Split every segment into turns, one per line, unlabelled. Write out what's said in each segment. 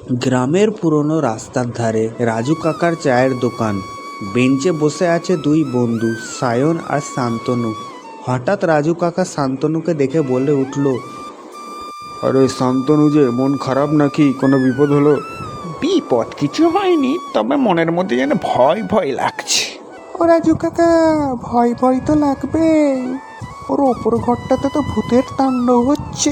গ্রামের পুরনো রাস্তার ধারে রাজু কাকার চায়ের দোকান। বেঞ্চে বসে আছে দুই বন্ধু, সায়ন আর শান্তনু। হঠাৎ রাজু কাকা শান্তনুকে দেখে বলে উঠল,
আরে শান্তনু যে, মন খারাপ নাকি? কোনো বিপদ হলো?
বিপদ কিছু হয়নি, তবে মনের মধ্যে যেন ভয় ভয় লাগছে।
ও রাজু কাকা, ভয় ভয় তো লাগবে। ওর ওপর ঘরটাতে তো ভূতের তাণ্ডব হচ্ছে।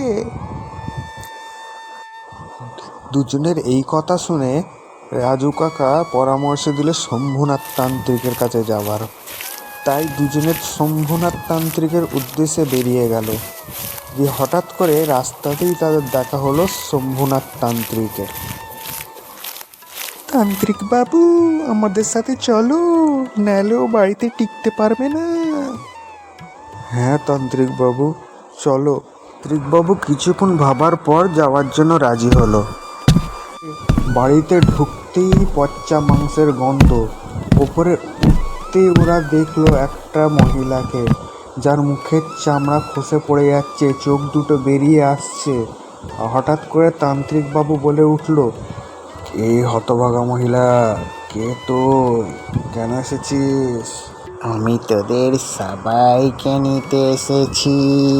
দুজনের এই কথা শুনে রাজু কাকা পরামর্শ দিল শম্ভুনাথ তান্ত্রিকের কাছে যাবার। তাই দুজনের শম্ভুনাথ তান্ত্রিকের উদ্দেশ্যে বেরিয়ে গেল। যে হঠাৎ করে রাস্তাতেই তাদের দেখা হলো শম্ভুনাথ তান্ত্রিকের। তান্ত্রিক বাবু, আমাদের সাথে চলো, নাহলেও বাড়িতে টিকতে পারবে না। হ্যাঁ তান্ত্রিক বাবু, চলো। তান্ত্রিক বাবু কিছুক্ষণ ভাবার পর যাওয়ার জন্য রাজি হলো। বাড়িতে ঢুকতেই পচা মাংসের গন্ধ। ওপরে উঠতেই ওরা দেখলো একটা মহিলাকে, যার মুখের চামড়া খসে পড়ে যাচ্ছে, চোখ দুটো বেরিয়ে আসছে। হঠাৎ করে তান্ত্রিক বাবু বলে উঠল, এই হতভাগা মহিলা, কে তুই? কেন এসেছিস?
আমি তোদের সবাইকে নিতে এসেছি।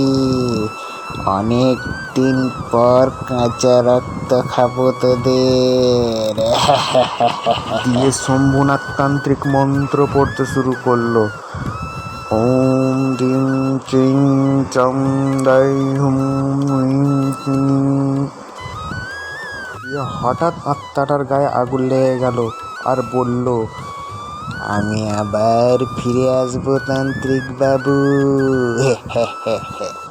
অনেক দিন পর কাঁচা রক্ত খাবো তোদের।
দিয়ে শম্ভুনাথ তান্ত্রিক মন্ত্র পড়তে শুরু করলো। ওম ডিং চিং চম দাই হুম উইং চিং। হঠাৎ আত্মাটার গায়ে আগুন লেগে গেল আর বলল,
আমি আবার ফিরে আসবো তান্ত্রিক বাবু।